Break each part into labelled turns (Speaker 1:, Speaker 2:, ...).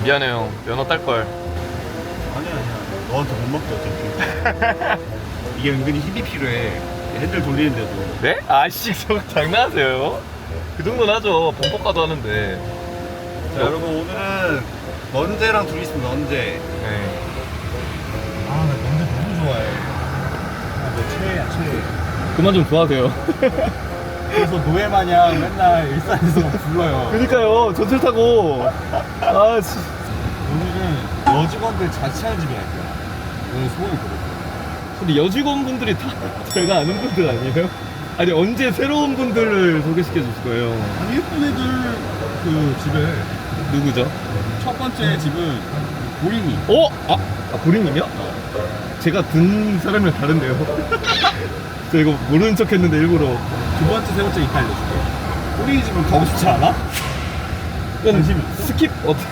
Speaker 1: 미안해요. 면허 딸걸.
Speaker 2: 아니야. 너한테 못 먹게 어차피. 이게 은근히 힘이 필요해. 핸들 돌리는데도.
Speaker 1: 네? 아씨 저거 장난하세요? 그 정도는 하죠. 범퍼카도 하는데.
Speaker 2: 자, 여러분 오늘은 넌제랑 둘이 있으면 넌제.
Speaker 1: 네.
Speaker 2: 아, 나 넌제 너무 좋아해. 아, 너 최애야, 최애.
Speaker 1: 그만 좀 좋아하세요.
Speaker 2: 그래서 노예 마냥 맨날 일산에서 불러요.
Speaker 1: 그니까요. 전철 타고. 아 씨.
Speaker 2: 오늘은 여직원들 자취하는 집에 갈 거야. 오늘 소원이 그렇고.
Speaker 1: 근데 여직원분들이 다 제가 아는 분들 아니에요? 아니 언제 새로운 분들을 소개시켜 주실 거예요?
Speaker 2: 아니, 예쁜 애들 그 집에.
Speaker 1: 누구죠?
Speaker 2: 첫 번째 집은 보린이.
Speaker 1: 어? 아 보리님이요? 제가 든 사람이랑 다른데요. 저 이거 모르는 척 했는데 일부러.
Speaker 2: 두 번째, 세 번째 이따 알려줄게. 보린이 집은 가고 싶지 않아?
Speaker 1: 관심 스킵?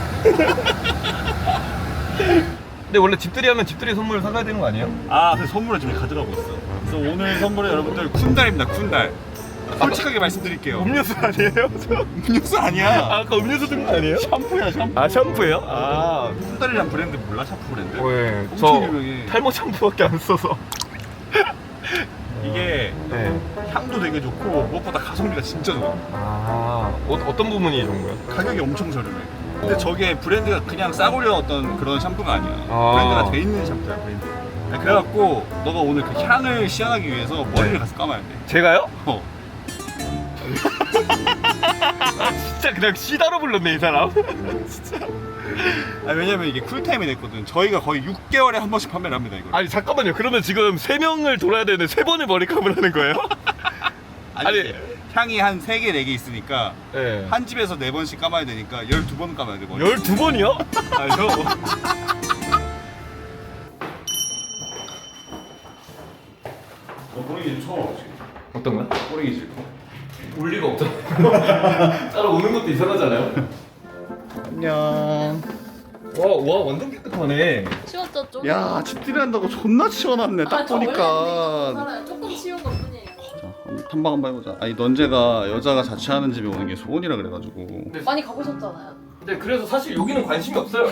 Speaker 1: 근데 원래 집들이 하면 집들이 선물 사가야 되는 거 아니에요?
Speaker 2: 아, 그래서 선물을 지금 가져가고 있어. 그래서 오늘 선물은 여러분들 쿤달입니다, 쿤달. 솔직하게 말씀드릴게요.
Speaker 1: 음료수 아니에요?
Speaker 2: 음료수 아니야.
Speaker 1: 아까 음료수 든 거 아니에요?
Speaker 2: 샴푸야, 샴푸.
Speaker 1: 아 샴푸예요? 아
Speaker 2: 쿤달이란 브랜드 몰라? 샴푸 브랜드?
Speaker 1: 네.
Speaker 2: 엄청
Speaker 1: 저
Speaker 2: 유명해.
Speaker 1: 탈모 샴푸밖에 안 써서.
Speaker 2: 이게
Speaker 1: 네.
Speaker 2: 향도 되게 좋고 무엇보다 가성비가 진짜 좋아.
Speaker 1: 아 어떤 부분이 좋은 거예요?
Speaker 2: 가격이 엄청 저렴해. 근데 저게 브랜드가 그냥 싸구려 어떤 그런 샴푸가 아니야.
Speaker 1: 아.
Speaker 2: 브랜드가 돼 있는 샴푸야, 브랜드. 그래갖고 너가 오늘 그 향을 시연하기 위해서 머리를
Speaker 1: 네.
Speaker 2: 가서 감아야 돼.
Speaker 1: 제가요?
Speaker 2: 어.
Speaker 1: 진짜 그냥 시다로 불렀네 이 사람. 진짜.
Speaker 2: 아, 왜냐면 이게 쿨타임이 됐거든. 저희가 거의 6개월에 한 번씩 판매를 합니다, 이걸.
Speaker 1: 아니 잠깐만요. 그러면 지금 3명을 돌아야 되는데 3번을 머리카락을 하는 거예요? 아니.
Speaker 2: 향이 한 3개, 4개 있으니까
Speaker 1: 네.
Speaker 2: 한 집에서 4번씩 감아야 되니까 12번 감아야 돼, 머리.
Speaker 1: 12번이요? 아 저.
Speaker 2: 꼬리기 처음 와보지.
Speaker 1: 어떤 거야?
Speaker 2: 꼬리기
Speaker 1: 올 리가 없잖아. 따로 오는 것도 이상하잖아요.
Speaker 2: 안녕.
Speaker 1: 와 완전 깨끗하네.
Speaker 3: 치웠죠 좀?
Speaker 2: 야, 집들이 한다고 존나 치워놨네, 딱 보니까.
Speaker 3: 알아요. 조금 치운 것 뿐이에요.
Speaker 2: 자, 한번 탐방 한번 해보자. 아니, 넌제가 여자가 자취하는 집에 오는 게 소원이라 그래가지고.
Speaker 3: 많이 가보셨잖아요.
Speaker 1: 근데 그래서 사실 여기는 관심이 없어요.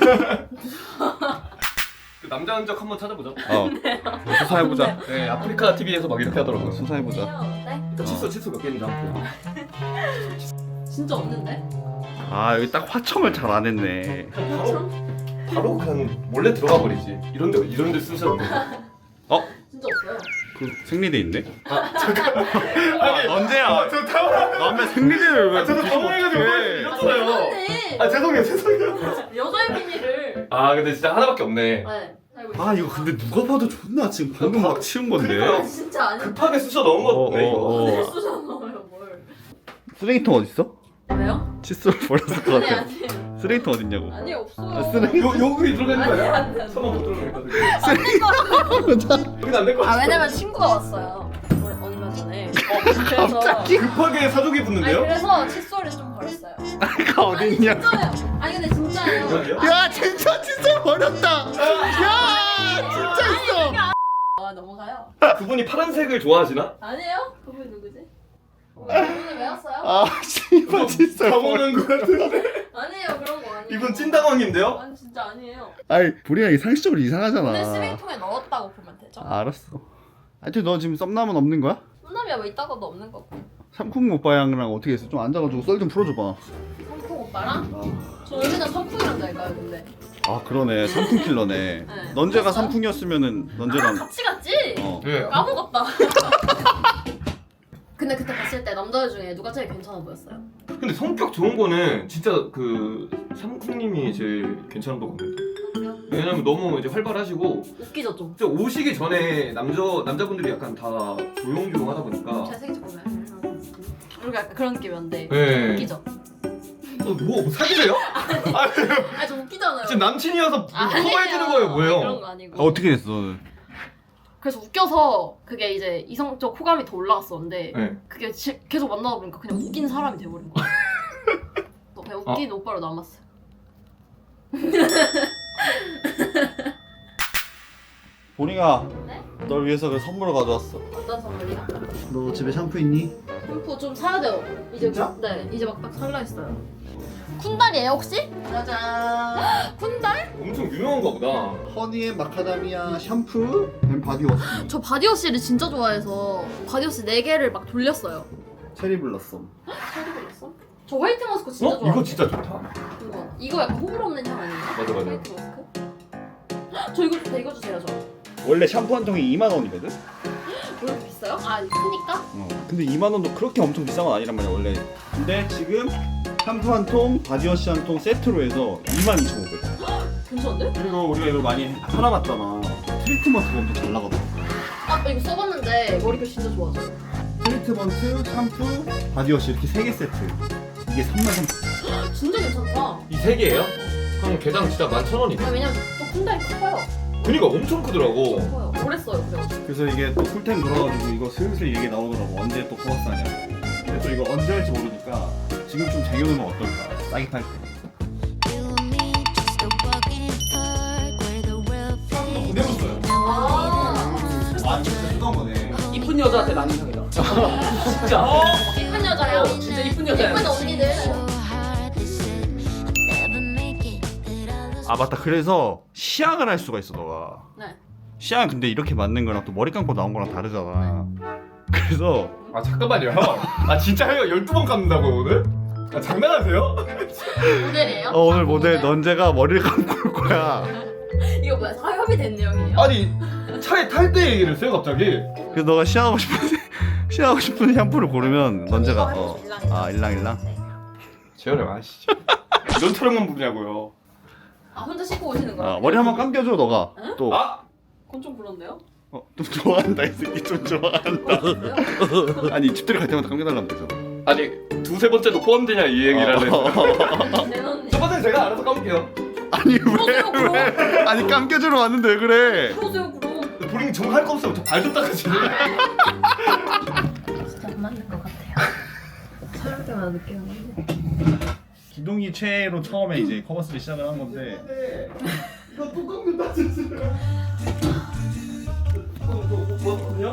Speaker 1: 그 남자 흔적 한번 찾아보자.
Speaker 2: 수사해보자.
Speaker 1: 네 아프리카 TV에서 막 이렇게 하더라고요.
Speaker 2: 수사해보자.
Speaker 3: 네?
Speaker 1: 일단 칫솔 몇 개인지 한번 보.
Speaker 3: 진짜 없는데?
Speaker 2: 아, 여기 딱 화청을 잘 안 했네.
Speaker 1: 바로 그냥 몰래 들어가 버리지. 이런데 쓰셨는데.
Speaker 2: 어?
Speaker 3: 진짜 없어요.
Speaker 2: 그 생리대 있네?
Speaker 1: 아니
Speaker 2: 언제야?
Speaker 1: 저 당황.
Speaker 2: 남의 생리대를 왜
Speaker 1: 저도
Speaker 2: 뒤집어
Speaker 1: 당황해가지고
Speaker 2: 어떡해.
Speaker 1: 이렇잖아요.
Speaker 3: 맞네.
Speaker 1: 아 죄송해요.
Speaker 3: 여자의 비밀을.
Speaker 1: 아 근데 진짜 하나밖에 없네.
Speaker 3: 네. 알고 있어요.
Speaker 2: 아, 이거 근데 누가 봐도 존나 지금 방금 막 치운 건데.
Speaker 1: 그러니까요.
Speaker 3: 아, 진짜 아니.
Speaker 1: 급하게 쑤셔 넣은 건데 이거.
Speaker 3: 안 쓰잖아요 뭘.
Speaker 2: 쓰레기통 어딨어?
Speaker 3: 왜요?
Speaker 2: 칫솔 버렸을 것
Speaker 3: 아니
Speaker 2: 같아.
Speaker 3: 아니.
Speaker 2: 쓰레기통 어딨냐고.
Speaker 3: 아니 없어요.
Speaker 2: 아, 쓰레기.
Speaker 1: 여기 들어가 있는 거야?
Speaker 3: 아니, 안 돼.
Speaker 1: 서만 못 들어가니까.
Speaker 3: 안될 거라고.
Speaker 1: 여기는 안될 거야.
Speaker 3: 아 왜냐면 친구가 왔어요. 얼마 전에. 그래서.
Speaker 1: 급하게 사족이
Speaker 3: 아니
Speaker 1: 붙는데요?
Speaker 3: 그래서 칫솔을 좀 버렸어요.
Speaker 2: 가 어딨냐?
Speaker 3: 진짜예요. 아니 근데 진짜예요.
Speaker 1: 여기요?
Speaker 2: 야, 진짜 칫솔 버렸다. 야, 진짜 있어.
Speaker 3: 아 넘어가요.
Speaker 1: 그분이 파란색을 좋아하시나?
Speaker 3: 아니에요? 그분 누구지? 그분은 왜 왔어요?
Speaker 2: 아, 씨발 칫솔 버렸.
Speaker 1: 당황한 거 같은데.
Speaker 3: 아니에요 그런 거 아니에요.
Speaker 1: 이분 찐당황인데요?
Speaker 3: 아니 진짜 아니에요.
Speaker 2: 아니, 보리가 이 상식적으로
Speaker 3: 근데
Speaker 2: 이상하잖아.
Speaker 3: 쓰레기통에 넣었다고 보면 되죠.
Speaker 2: 알았어. 하여튼 너 지금 썸남은 없는 거야?
Speaker 3: 혼남이야 뭐 있다가도 없는 거고.
Speaker 2: 삼쿵 오빠랑랑 어떻게 했어? 좀 앉아가지고 썰 좀 풀어줘봐.
Speaker 3: 삼풍 오빠랑? 저 맨날 삼풍이랑 잘까요 근데?
Speaker 2: 아, 그러네. 삼쿵 킬러네.
Speaker 3: 네.
Speaker 2: 넌제가
Speaker 3: 그랬어요?
Speaker 2: 삼쿵이었으면은
Speaker 3: 아
Speaker 2: 넌제랑
Speaker 3: 같이 갔지?
Speaker 2: 어.
Speaker 1: 네.
Speaker 3: 까먹었다. 근데 그때 봤을 때 남자들 중에 누가 제일 괜찮아 보였어요?
Speaker 1: 근데 성격 좋은 거는 진짜 그 삼국님이 제일 괜찮은 것 같아요. 왜냐면 너무 이제 활발하시고
Speaker 3: 웃기죠 좀.
Speaker 1: 진짜 오시기 전에 남자분들이 약간 다 조용조용하다 보니까
Speaker 3: 잘생기죠 보면. 그리고 약간 그런 느낌이었는데
Speaker 1: 네.
Speaker 3: 웃기죠?
Speaker 1: 뭐 사귀세요?
Speaker 3: 아니 좀 웃기잖아요.
Speaker 1: 지금 남친이어서
Speaker 3: 아니에요.
Speaker 1: 커버해주는 거예요 뭐예요?
Speaker 3: 그런 거 아니고.
Speaker 2: 어떻게 됐어 너는?
Speaker 3: 그래서 웃겨서 그게 이제 이성적 호감이 더 올라갔었는데
Speaker 1: 네.
Speaker 3: 그게 계속 만나다 보니까 그냥 웃긴 사람이 돼버린 거야. 그냥 웃긴 오빠로 남았어요.
Speaker 2: 보리가
Speaker 3: 네?
Speaker 2: 널 위해서 그 선물을 가져왔어.
Speaker 3: 어떤 선물이요?
Speaker 2: 너 집에 샴푸 있니?
Speaker 3: 샴푸 좀 사야 돼요. 이제
Speaker 2: 진짜?
Speaker 3: 네 이제 막 딱 살라 했어요. 쿤달이에요 혹시?
Speaker 4: 짜잔.
Speaker 3: 쿤달?
Speaker 1: 엄청 유명한가 보다.
Speaker 4: 허니앤 마카다미아 샴푸 앤 바디워시.
Speaker 3: 저 바디워시를 진짜 좋아해서 바디워시 4개를 막 돌렸어요.
Speaker 4: 체리 블러썸.
Speaker 3: 체리 블러썸? 저 화이트 머스크 진짜 좋아해요.
Speaker 1: 이거 진짜 좋다.
Speaker 3: 이거 약간 호불 없는 향 아닌가?
Speaker 1: 맞아, 맞아.
Speaker 3: 화이트 머스크? 저 이거 좋다. 이거 주세요 저.
Speaker 2: 원래 샴푸 한 통이 2만 원이거든?
Speaker 3: 왜 이렇게 비싸요? 아 크니까?
Speaker 2: 근데 2만 원도 그렇게 엄청 비싼 건 아니란 말이야 원래. 근데 지금 샴푸 한 통, 바디워시 한 통 세트로 해서 22,500원.
Speaker 3: 괜찮은데?
Speaker 2: 그리고 우리가 이거 많이 팔아봤잖아. 트리트먼트가 엄청 잘 나가더라고.
Speaker 3: 아 이거 써봤는데 머리결 진짜 좋아졌어.
Speaker 4: 트리트먼트, 샴푸, 바디워시 이렇게 3개 세트. 이게 33,000원.
Speaker 3: 진짜 괜찮다.
Speaker 1: 이 3개예요? 그럼 개당 진짜 11,000원이네.
Speaker 3: 아 왜냐면 또 쿤달이 커요.
Speaker 1: 그니까 엄청 크더라고.
Speaker 3: 커요. 오래 써요 그래가지고.
Speaker 4: 그래서 이게 또 풀템 돌아가지고 이거 슬슬 얘기 나오더라고. 언제 또 코버스 하냐고. 근데 또 이거 언제 할지 모르니까 지금 좀 쟁여놓으면 어떨까. 싸게 팔 때.
Speaker 1: 보내봤어요.
Speaker 4: 아 진짜 뜨거운 거네.
Speaker 5: 이쁜 여자한테 나는 향이다. 진짜.
Speaker 3: 이쁜 여자야.
Speaker 5: 진짜 이쁜 여자야.
Speaker 3: 예쁜 언니들.
Speaker 2: 아 맞다. 그래서 시향을 할 수가 있어 너가.
Speaker 3: 네.
Speaker 2: 시향 근데 이렇게 맞는 거랑 또 머리 감고 나온 거랑 다르잖아. 그래서
Speaker 1: 아 잠깐만요. 아 진짜 형이 12번 감는다고요 오늘? 아 장난하세요?
Speaker 3: 모델이에요?
Speaker 2: 오늘 모델 넌제가 머리를 감고 올 거야.
Speaker 3: 이거 뭐야? 사협이 된 내용이에요?
Speaker 1: 아니 차에 탈 때 얘기를 했어요 갑자기.
Speaker 2: 그래서 너가 시향하고 싶은 샴푸를 고르면 넌제가
Speaker 3: 이거 해보죠,
Speaker 2: 일랑일랑.
Speaker 1: 재현이 아시죠? 이런 촬영만 부르냐고요.
Speaker 3: 아 혼자 씻고 오시는 거야?
Speaker 2: 머리 한번 감겨줘 너가. 또.
Speaker 1: 아?
Speaker 3: 그건 좀 그런데요?
Speaker 2: 좀 좋아한다 이 새끼 좀 좋아한다. 아니 집들이 갈 때마다 감겨달라면 되잖아.
Speaker 1: 아니 두세 번째도 포함되냐 이 얘기를 하네.
Speaker 3: 내 언니.
Speaker 1: 첫 번째 제가 알아서 감을게요.
Speaker 2: 아니
Speaker 3: 그러세요 그럼.
Speaker 2: 왜? 아니 감겨주러 왔는데 왜 그래?
Speaker 3: 그러세요 그럼.
Speaker 1: 본인 정할 거 없으면 저 발도 닦아주세요.
Speaker 3: 진짜 안 맞는 것 같아요. 촬영 때마다 느끼는 건데.
Speaker 4: 기동이 최애로 처음에 이제 커버스를 시작을 한 건데
Speaker 1: 이거 뚜껑 닫아주세요. 뭐거든요?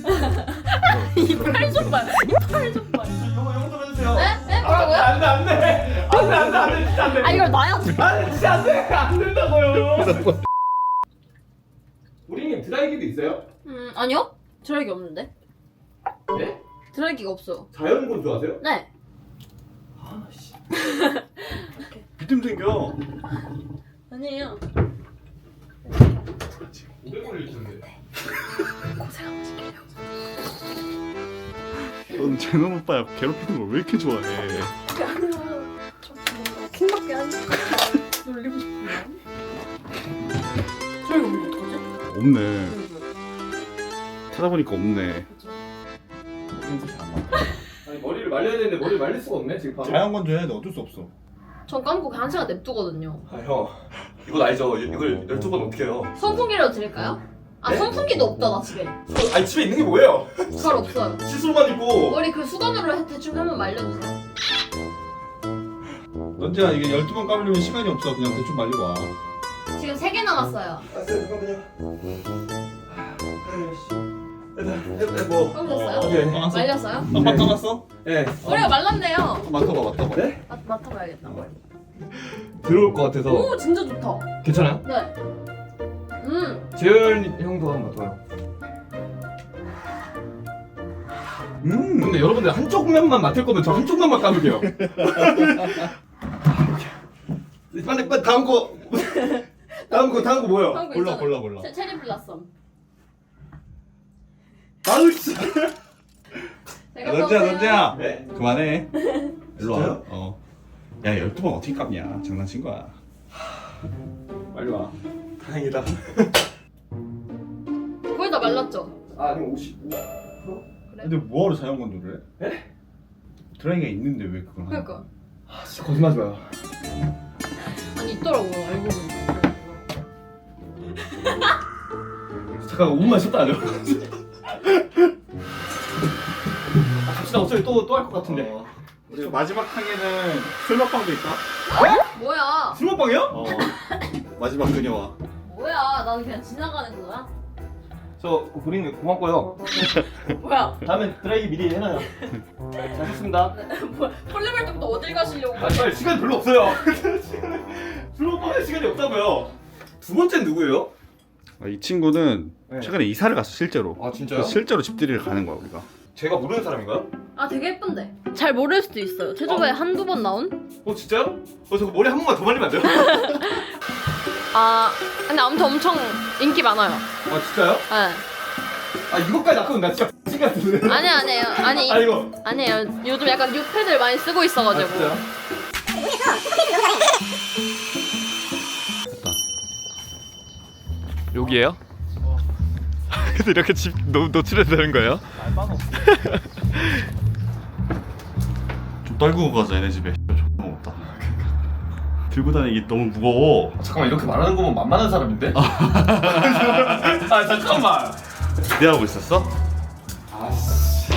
Speaker 3: 이빨 좀 봐. 이빨 좀 봐.
Speaker 1: 영좀 해주세요.
Speaker 3: 네? 네? 뭐라고요?
Speaker 1: 안돼 진짜 안돼.
Speaker 3: 아 이걸 놔요?
Speaker 1: 아니 진짜 안돼 안 된다고요. 우리님 드라이기도 있어요?
Speaker 3: 아니요. 드라이기 없는데.
Speaker 1: 네?
Speaker 3: 드라이기가 없어요.
Speaker 1: 자연 건조하세요?
Speaker 3: 네.
Speaker 1: 아씨.
Speaker 2: 비듬 생겨.
Speaker 3: 아니에요.
Speaker 1: 500원을 주는데.
Speaker 3: 고생하고 싶게요.
Speaker 2: 넌 제노 오빠야 괴롭히는 걸 왜 이렇게 좋아해?
Speaker 3: 그게 아니라 좀 뭔가 킹받게 하는 놀리고 싶은 마음. 드라이기 없는 거 어떡하지?
Speaker 2: 없네. 찾아보니까 없네.
Speaker 1: 아니 머리를 말려야 되는데 머리를 말릴 수가 없네 지금 바로.
Speaker 4: 자연 건조 해야 돼. 어쩔 수 없어.
Speaker 3: 전 감고 그냥 1시간 냅두거든요.
Speaker 1: 아 형, 이건 알죠? 이걸 12번 어떻게 해요?
Speaker 3: 선풍기라도 드릴까요? 아
Speaker 1: 네?
Speaker 3: 선풍기도 없다 나 집에.
Speaker 1: 아니 집에 있는 게 뭐예요?
Speaker 3: 잘 없어요.
Speaker 1: 칫솔만 있고.
Speaker 3: 머리 그 수건으로 대충 한번 말려주세요.
Speaker 4: 넌지야 이게 12번 감으려면 시간이 없어. 그냥 대충 말리고 와.
Speaker 3: 지금 3개 남았어요.
Speaker 1: 잠깐만요. 일단 뭐.
Speaker 3: 감으셨어요?
Speaker 1: 네.
Speaker 3: 말렸어요?
Speaker 4: 아빠 감았어?
Speaker 1: 네.
Speaker 3: 머리가 말랐네요.
Speaker 4: 맡아봐.
Speaker 1: 네?
Speaker 3: 맡아봐야겠다.
Speaker 1: 들어올 것 같아서.
Speaker 3: 오 진짜 좋다.
Speaker 1: 괜찮아요?
Speaker 3: 네.
Speaker 1: 재현 형도 한번 맡아요. 근데 여러분들 한쪽 면만 맡을 거면 저 한쪽 면만 감을게요. 빨리 다음 거. 다음 거 뭐요?
Speaker 3: 한거
Speaker 4: 골라,
Speaker 3: 있잖아요.
Speaker 4: 골라.
Speaker 3: 체리 블라썸.
Speaker 1: 아우 진짜.
Speaker 3: 제가
Speaker 4: 넌지야.
Speaker 1: 네?
Speaker 4: 그만해. 일로 와.
Speaker 1: 진짜요?
Speaker 4: 야 12번 어떻게 감냐. 장난친 거야. 빨리 와.
Speaker 1: 다행이다.
Speaker 3: 거의 다 말랐죠?
Speaker 1: 아 아니 50.
Speaker 4: 근데 뭐하러 자연 건조를 해?
Speaker 1: 에?
Speaker 4: 드라이기가 있는데 왜 그걸 하는 거야?
Speaker 3: 그러니까.
Speaker 1: 아 진짜 거짓말하지 마요.
Speaker 3: 아니 있더라고요 알고 보니.
Speaker 1: 잠깐 5분만 쉬었다 하죠. 아 갑시다. 어차피 또 할 것 같은데.
Speaker 4: 우리 마지막 항에는 술 먹방도 있다.
Speaker 3: 뭐야?
Speaker 1: 술 먹방이요?
Speaker 4: 마지막 그녀와.
Speaker 3: 뭐야? 나는 그냥 지나가는 거야?
Speaker 1: 저 고객님 고맙고요.
Speaker 3: 뭐야?
Speaker 1: 다음엔 드라이기 미리 해놔요. 잘 했습니다.
Speaker 3: 뭐야? 폴리mer 때부터 어딜 가시려고?
Speaker 1: 아, 빨리 시간 별로 없어요. 별로 할 시간이 없다고요. 두 번째는 누구예요?
Speaker 2: 이 친구는
Speaker 1: 네.
Speaker 2: 최근에 이사를 갔어 실제로.
Speaker 1: 아 진짜요?
Speaker 2: 실제로 집들이를 가는 거야 우리가.
Speaker 1: 제가 모르는 사람인가요?
Speaker 3: 아 되게 예쁜데. 잘 모를 수도 있어요. 최저에 한두 번 나온?
Speaker 1: 진짜요? 저거 머리 한 번만 더 말리면 안 돼요?
Speaker 3: 아 근데 아무튼 엄청 인기 많아요.
Speaker 1: 아 진짜요?
Speaker 3: 네.
Speaker 1: 아 이거까지 낳고 나 진짜 X 같은데.
Speaker 3: 아니에요. 아니
Speaker 1: 아 이거.
Speaker 3: 아니에요. 요즘 약간 뉴패들 많이 쓰고 있어가지고.
Speaker 1: 진짜요? 여기에요? 근데 이렇게 집 노출해도 되는 거예요?
Speaker 2: 좀 떨구고 가자 얘네 집에. 존나 없다. 들고 다니기 너무 무거워.
Speaker 1: 잠깐만 이렇게 말하는 거면 만만한 사람인데? 아 잠깐만.
Speaker 2: 기대하고 있었어?
Speaker 1: 아씨.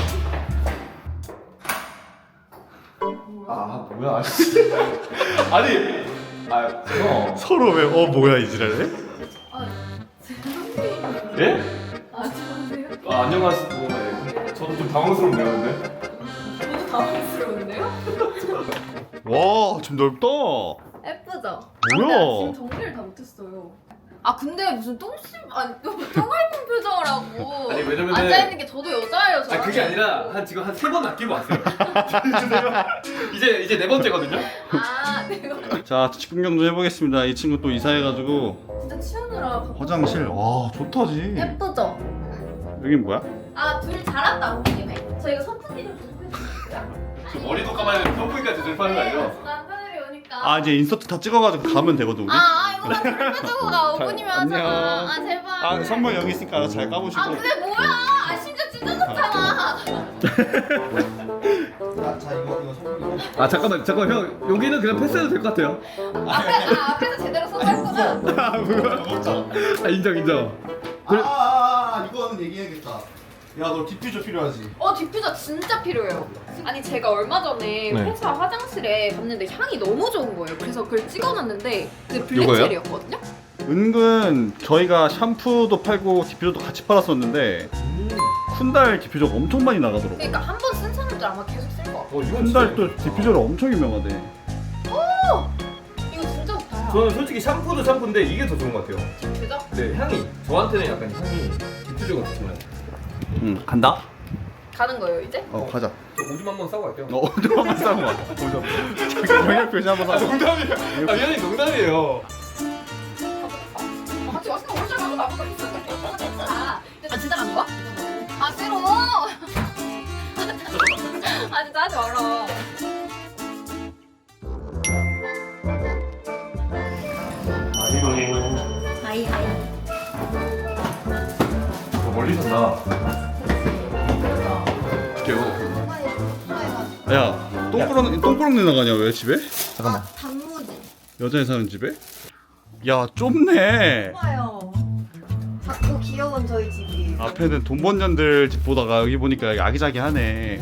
Speaker 1: 아 뭐야? 아니. 아 저.
Speaker 2: 서로 왜 뭐야 이 지랄해?
Speaker 1: 예?
Speaker 3: 아 죄송해요.
Speaker 1: 아 안녕하세요. 네. 저도 좀 당황스럽네요 근데.
Speaker 3: 저도 당황스러운데요?
Speaker 2: 와 좀 넓다.
Speaker 3: 예쁘죠?
Speaker 2: 뭐야?
Speaker 3: 지금 정리를 다 못했어요. 아 근데 무슨 똥할 뻔 표정을 하고
Speaker 1: 아니, 왜냐면은-
Speaker 3: 앉아있는 게 저도 여자예요.
Speaker 1: 아 그게 아니라 한 지금 한 3번 아끼고 왔어요. 이제 네 번째거든요.
Speaker 3: 아 내가
Speaker 2: 자 집구경 좀 해보겠습니다. 이 친구 또 이사해가지고
Speaker 3: 진짜 치우느라
Speaker 2: 화장실 와 좋다지.
Speaker 3: 예쁘죠?
Speaker 2: 여긴 뭐야?
Speaker 3: 아 둘이 잘한다 온 김에 저희가 선풍기 좀 부탁해주세요.
Speaker 1: 머리도 감아야 되는 선풍기까지 들파는 거 아니에요?
Speaker 3: 남편들이 오니까
Speaker 2: 아 이제 인서트 다 찍어가지고 가면 되거든 우리.
Speaker 3: 이거만 불 빼주고 가 5분이면
Speaker 2: 안녕.
Speaker 3: 하잖아. 아 제발.
Speaker 2: 아 선물 여기 있으니까 알아서 잘 까보시고.
Speaker 3: 아 근데 뭐야? 아 심지어 진짜 좋잖아.
Speaker 1: 아 잠깐만 형 여기는 그냥 패스해도 될 것 같아요.
Speaker 3: 앞에서 제대로 써놨구나.
Speaker 1: 아 뭐야? 아 인정.
Speaker 2: 이거는 얘기해야겠다. 야 너 디퓨저 필요하지?
Speaker 3: 디퓨저 진짜 필요해요. 아니 제가 얼마 전에
Speaker 1: 네.
Speaker 3: 회사 화장실에 갔는데 향이 너무 좋은 거예요. 그래서 그걸 찍어놨는데 그
Speaker 1: 요거요?
Speaker 3: 블랙체리였거든요.
Speaker 2: 은근 저희가 샴푸도 팔고 디퓨저도 같이 팔았었는데 쿤달 디퓨저가 엄청 많이 나가더라고.
Speaker 3: 그러니까 한 번 쓴 사람들 아마 계속 쓸 거 같아.
Speaker 1: 이건
Speaker 2: 쿤달 또 디퓨저로 엄청 유명하대.
Speaker 3: 이거 진짜 좋다.
Speaker 1: 저는 솔직히 샴푸도 샴푸인데 이게 더 좋은 것 같아요.
Speaker 3: 디퓨저?
Speaker 1: 네 향이 저한테는 약간 향이 디퓨저가 좋잖아요.
Speaker 2: 응 간다?
Speaker 3: 가는 거예요 이제?
Speaker 2: 가자.
Speaker 1: 저 오줌 한번 싸고 갈게요.
Speaker 2: 좀 한번 싸고 와. 영역 표시 한번
Speaker 1: 아
Speaker 2: 싸고.
Speaker 1: 농담이에요. 아 미안해 농담이에요.
Speaker 3: 같이 왔으면 오늘 나보다 있어. 아 진짜 가는 거야? 아 싫어. 아 진짜 하지 마라. 아이.
Speaker 1: 멀리 산다. 볼게요.
Speaker 2: 야 똥꾸렁내 나가냐 왜 집에?
Speaker 1: 잠깐만.
Speaker 3: 단무지.
Speaker 2: 여자애 사는 집에? 야 좁네.
Speaker 6: 좋아요. 작고 귀여운 저희 집이.
Speaker 2: 앞에는 돈 번 년들 집 보다가 여기 보니까 여기 아기자기하네.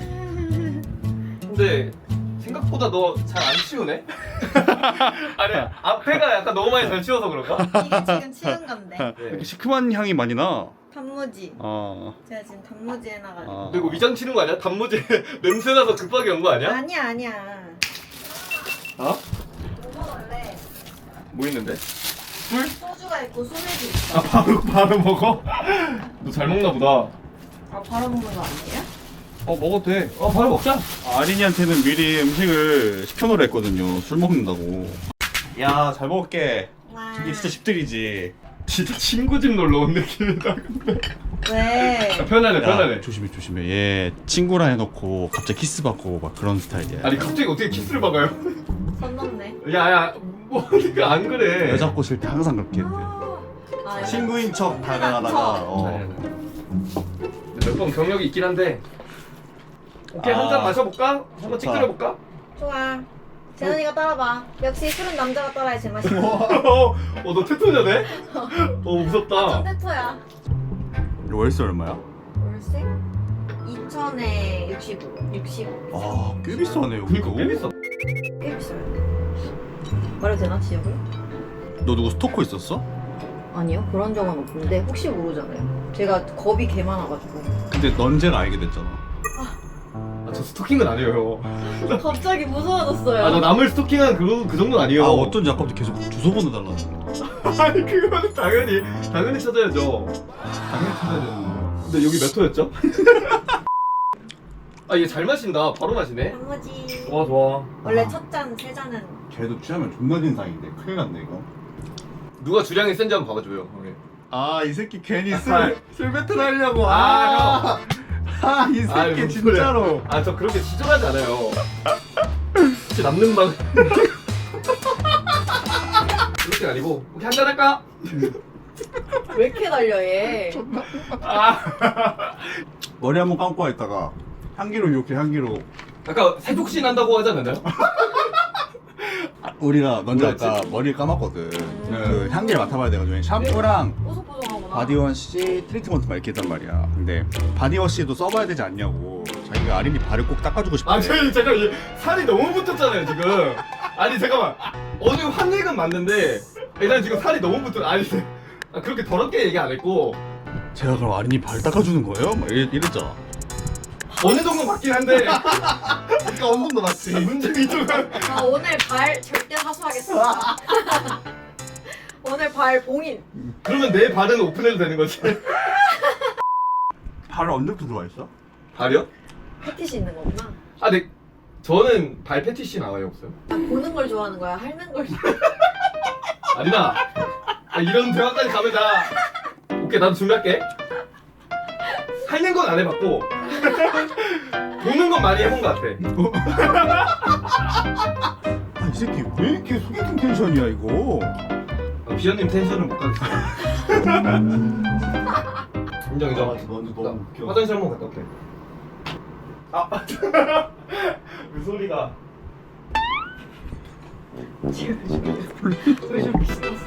Speaker 1: 근데 생각보다 너 잘 안 치우네? 아니 앞에가 약간 너무 많이 잘 치워서 그런가?
Speaker 6: 이게 지금 치운 건데.
Speaker 2: 이렇게 시큼한 향이 많이 나.
Speaker 6: 단무지.
Speaker 2: 아.
Speaker 6: 제가 지금 단무지 해놔가지고.
Speaker 2: 아.
Speaker 1: 너 이거 위장 치는 거 아니야? 단무지 냄새 나서 급하게 온 거 아니야?
Speaker 6: 아니야.
Speaker 1: 어?
Speaker 6: 뭐 먹을래?
Speaker 1: 뭐 있는데?
Speaker 6: 소주가 있고 소맥이 있어.
Speaker 1: 아 바로 먹어? 너 잘 먹나 보다.
Speaker 6: 아 바로 먹는 거 아니에요?
Speaker 1: 먹어도 돼. 바로 먹자.
Speaker 2: 아린이한테는 미리 음식을 시켜놓으라 했거든요. 술 먹는다고. 야, 잘 먹을게.
Speaker 6: 와.
Speaker 2: 이게 진짜 집들이지.
Speaker 1: 진짜 친구 집 놀러 온 느낌이다. 근데.
Speaker 6: 왜?
Speaker 1: 편하네.
Speaker 2: 조심해. 얘 친구라 해놓고 갑자기 키스 받고 막 그런 스타일이야.
Speaker 1: 아니 갑자기 어떻게 키스를 박아요?
Speaker 6: 선 넘네.
Speaker 1: 야야 뭐 그러니까 안 그래.
Speaker 2: 여자 꼬실 때 항상 그렇게 했대.
Speaker 6: 아,
Speaker 2: 친구인 척 다가가다가
Speaker 1: 몇 번 경력이 있긴 한데. 오케이 한 잔 마셔볼까? 한번
Speaker 2: 좋다.
Speaker 1: 찌끄려볼까?
Speaker 6: 좋아. 재현이가 따라봐. 역시 술은 남자가 따라야 제맛이야.
Speaker 1: 너 테토녀네? 무섭다.
Speaker 6: 콘텐츠야.
Speaker 2: 월세 얼마야?
Speaker 6: 월세? 2,000에 65.
Speaker 2: 아, 꽤 비싸네 여기도.
Speaker 1: 꽤 비싸.
Speaker 6: 꽤 비싸요. 말해도 되나 지역을?
Speaker 2: 너 누구 스토커 있었어?
Speaker 6: 아니요, 그런 적은 없는데 혹시 모르잖아요. 제가 겁이 개 많아가지고.
Speaker 2: 근데 넌제가 알게 됐잖아.
Speaker 1: 저 스토킹은 아니에요.
Speaker 6: 갑자기 무서워졌어요.
Speaker 1: 나 남을 스토킹한 그 정도는 아니에요.
Speaker 2: 아 어쩐지 아까부터 계속 주소번호 달라는
Speaker 1: 아니 그거는 당연히 찾아야죠.
Speaker 4: 당연히 찾아야 되는 거야.
Speaker 1: 근데 여기 몇 호였죠? 아 얘 잘 마신다. 바로 마시네.
Speaker 6: 단무지.
Speaker 1: 좋아.
Speaker 6: 원래 첫 잔, 세 잔은
Speaker 4: 걔도 취하면 존나 진상인데 큰일 났네 이거.
Speaker 1: 누가 주량이 센지 한번 봐봐줘요. 오케이.
Speaker 2: 아이 새끼 괜히
Speaker 1: 아,
Speaker 2: 술 배틀 하려고
Speaker 1: 아,
Speaker 2: 아이
Speaker 1: 아이,
Speaker 2: 새끼
Speaker 1: 무슨 소리야.
Speaker 2: 진짜로
Speaker 1: 저 그렇게 지저하지 않아요. 혹시 남는 방 그렇게 아니고 혹시 한잔 할까?
Speaker 6: 왜 이렇게 달려 얘?
Speaker 2: 머리 한번 감고 와 있다가 향기로 이렇게 향기로
Speaker 1: 아까 세족신 한다고 하지 않았나요?
Speaker 2: 우리가 먼저
Speaker 1: 뭐였지?
Speaker 2: 아까 머리를 감았거든. 그 향기를 맡아봐야 되거든. 샴푸랑
Speaker 6: 뽀송뽀송하구나.
Speaker 2: 바디워시 트리트먼트 막 이렇게 했단 말이야. 근데 바디워시도 써봐야 되지 않냐고. 자기가 아린이 발을 꼭 닦아주고 싶대.
Speaker 1: 잠깐 얘 살이 너무 붙었잖아요 지금. 아니 잠깐만. 어느 환액은 맞는데 일단 지금 살이 너무 붙어. 아니 그렇게 더럽게 얘기 안 했고
Speaker 2: 제가 그럼 아린이 발 닦아주는 거예요? 막 이랬잖아.
Speaker 1: 어느 정도 맞긴 한데
Speaker 2: 그러니까 어느 정도 맞지.
Speaker 1: 문제가 이쪽은
Speaker 6: 오늘 발 절대 하수하겠습니다. 오늘 발 봉인.
Speaker 1: 그러면 내 발은 오픈해도 되는 거지.
Speaker 2: 발을 언제부터 들어와 있어?
Speaker 1: 발이요?
Speaker 6: 패티시 있는 거구나.
Speaker 1: 네. 저는 발 패티시 나와요 없어요?
Speaker 6: 보는 걸 좋아하는 거야? 핥는 걸 좋아하는
Speaker 1: 아니다. 이런 대화까지 가면 오케이 나도 준비할게. 핥는 건 안 해봤고 보는 건 많이 해본 것 같아.
Speaker 2: 아 이 새끼 왜 이렇게 소개팅 텐션이야 이거?
Speaker 1: 비현님 텐션을 못 가겠어. 인정.
Speaker 4: 너는 너무 웃겨.
Speaker 1: 화장실 한번 갔다 올게. 그 소리가.
Speaker 6: 왜 저렇게 신났어?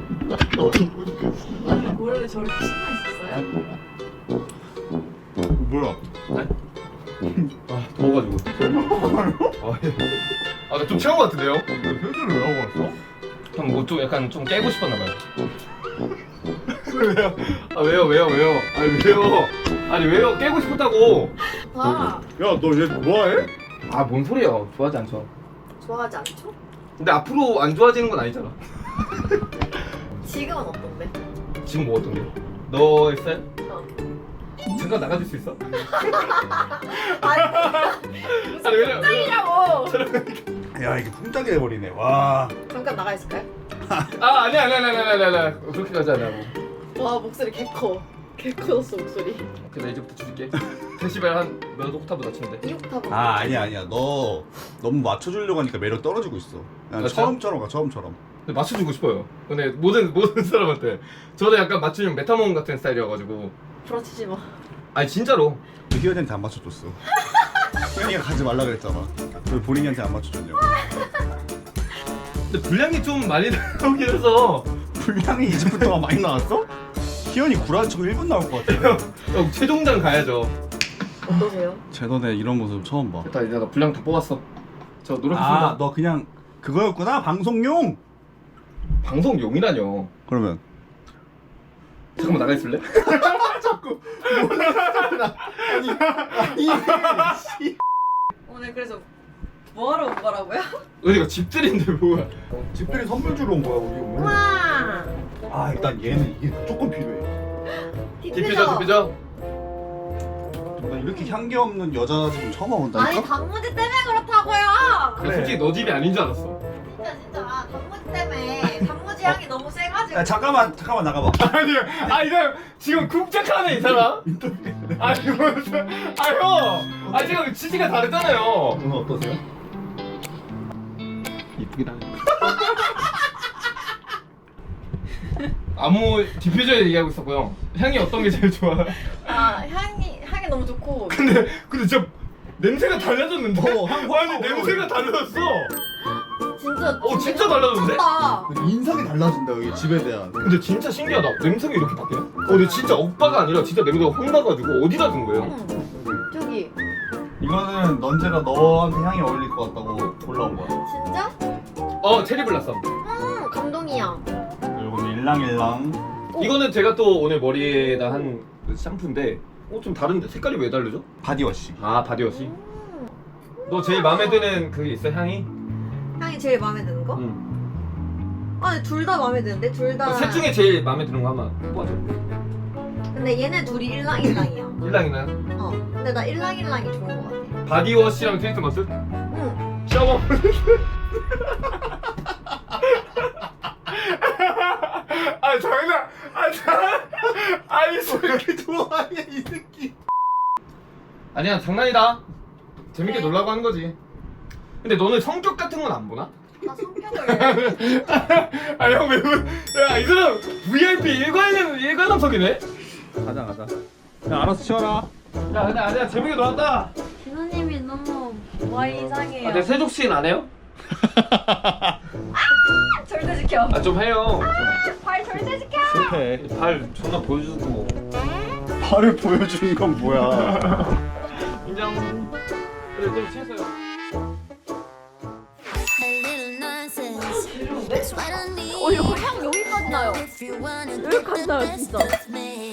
Speaker 6: 원래 저렇게 신나 있었어요?
Speaker 2: 뭐야?
Speaker 1: 더워가지고. 나 좀 취한 것 같은데요?
Speaker 2: 회사를 왜 하고 왔어?
Speaker 1: 형 뭐 좀 약간 좀 깨고 싶었나 봐요. 왜요? 왜요? 아니 왜요? 깨고 싶었다고.
Speaker 6: 아,
Speaker 2: 야 너 얘 뭐해?
Speaker 1: 뭔 소리야? 좋아하지 않죠.
Speaker 6: 좋아하지 않죠?
Speaker 1: 근데 앞으로 안 좋아지는 건 아니잖아.
Speaker 6: 지금은 어떤데?
Speaker 1: 지금 뭐 어떤 게? 너의 스타일?
Speaker 6: 어.
Speaker 1: 잠깐 나가줄 수 있어?
Speaker 6: 아니,
Speaker 1: 왜냐면
Speaker 6: 짱이라고!
Speaker 2: 야 이게 풍짝이 돼버리네. 와.
Speaker 6: 잠깐 나가 있을까요?
Speaker 1: 아니야 그렇게 가지 않냐고.
Speaker 6: 와, 목소리 개 커. 개 커졌어, 목소리.
Speaker 1: 오케이 나 이제부터 줄게. 데시벨 한몇 옥타브 낮추면 돼.
Speaker 6: 2옥타브.
Speaker 2: 아니야 너 너무 맞춰주려고 하니까 매력 떨어지고 있어. 그냥
Speaker 1: 맞죠?
Speaker 2: 처음처럼 가 처음처럼.
Speaker 1: 근데 맞춰주고 싶어요. 근데 모든 사람한테 저도 약간 맞추면 메타몬 같은 스타일이어가지고.
Speaker 6: 부러치지 마.
Speaker 1: 아니 진짜로.
Speaker 2: 희연이한테 안 맞춰줬어. 희연이가 가지 말라 그랬잖아. 왜 본인한테 안 맞춰줬냐고.
Speaker 1: 근데 분량이 좀 많이 나오긴 해서.
Speaker 2: 분량이 20분 동안 많이 나왔어? 희연이 구라한 척 1분 나올 것 같아.
Speaker 1: 형 최종장 가야죠.
Speaker 6: 어떠세요?
Speaker 2: 제 너네 이런 모습 처음 봐.
Speaker 1: 됐다 이제 나 분량 다 뽑았어. 저 노력했습니다.
Speaker 2: 아, 너 그냥 그거였구나? 방송용?
Speaker 1: 방송용이라뇨.
Speaker 2: 그러면
Speaker 1: 잠깐만 나가 있을래?
Speaker 6: 오늘 그래서 뭐하러 온 거라고요?
Speaker 1: 어디가 집들인데 뭐야?
Speaker 2: 집들이 선물 주러 온 거야 우리 오늘.
Speaker 6: 우와!
Speaker 2: 아 일단 얘는 이게 무조건 필요해.
Speaker 1: 디퓨저.
Speaker 2: 나 이렇게 향기 없는 여자 지금 처음 와본다니까?
Speaker 6: 아니, 단무지 때문에 그렇다고요!
Speaker 1: 그래. 솔직히 너 집이 아닌 줄 알았어.
Speaker 6: 진짜 단무지 때문에 단무지 향이 너무 세가지고.
Speaker 2: 야 잠깐만 나가봐.
Speaker 1: 이거 지금 쿵짝하네 이 사람. 형. 지금 취지가 다르잖아요.
Speaker 2: 오늘 어떠세요?
Speaker 1: 이쁘긴 하네. 아무 디퓨저 얘기하고 있었고요. 향이 어떤 게 제일 좋아?
Speaker 6: 향이 너무 좋고.
Speaker 1: 근데 진짜 냄새가 달라졌는데?
Speaker 2: 향
Speaker 1: 아니 냄새가 달라졌어.
Speaker 6: 진짜
Speaker 1: 진짜 달라졌는데?
Speaker 6: 미쳤다.
Speaker 2: 인상이 달라진다 여기 집에 대한.
Speaker 1: 근데 진짜 신기하다. 냄새가 이렇게 바뀌네? 근데 진짜 오빠가 아니라 진짜 냄새가 확 나가지고 어디다 둔 거예요?
Speaker 6: 저기
Speaker 2: 이거는 넌제가 너한테 향이 어울릴 것 같다고 골라온 거야.
Speaker 6: 진짜?
Speaker 1: 체리 블라썸.
Speaker 6: 감동이야.
Speaker 2: 그리고 일랑일랑
Speaker 1: 이거는 제가 또 오늘 머리에다 한 샴푸인데 좀 다른데 색깔이 왜 다르죠?
Speaker 2: 바디워시.
Speaker 1: 아 바디워시. 너 제일 마음에 드는 그게 있어 향이?
Speaker 6: 향이 제일 마음에 드는 거?
Speaker 1: 응.
Speaker 6: 아, 둘 다 마음에 드는데? 둘 다.
Speaker 1: 셋 중에 제일 마음에 드는 거 한번 뽑아줘.
Speaker 6: 근데 얘네 둘이 일랑일랑이야.
Speaker 1: 일랑이나
Speaker 6: 근데 나 일랑일랑이 좋은 거 같아.
Speaker 1: 바디워시랑 트리트먼트?
Speaker 6: 응.
Speaker 1: 샤워. 아 장난. 아니 왜 이렇게 좋아하냐 이 새끼. 아니야 장난이다. 재밌게
Speaker 6: 네.
Speaker 1: 놀라고 하는 거지. 근데 너는 성격 같은 건 안 보나?
Speaker 6: 나 성격을.
Speaker 1: 아 형 왜? 야이 사람 VIP 일관함석이네.
Speaker 2: 가자. 야 알아서 치워라.
Speaker 1: 야 근데 아니야 재밌게 놀았다.
Speaker 3: 진호님이 너무 와 이상해요.
Speaker 1: 내 세족신 안 해요?
Speaker 3: 절대 지켜.
Speaker 1: 아 좀 해요.
Speaker 3: 발 절대 지켜.
Speaker 2: 실패.
Speaker 1: 발 존나 보여주고.
Speaker 2: 발을 보여주는 건 뭐야?
Speaker 1: 인정. 그래 좀 취했어요.
Speaker 3: 이거 향 여기까지 나요. 여기까지 나요 진짜.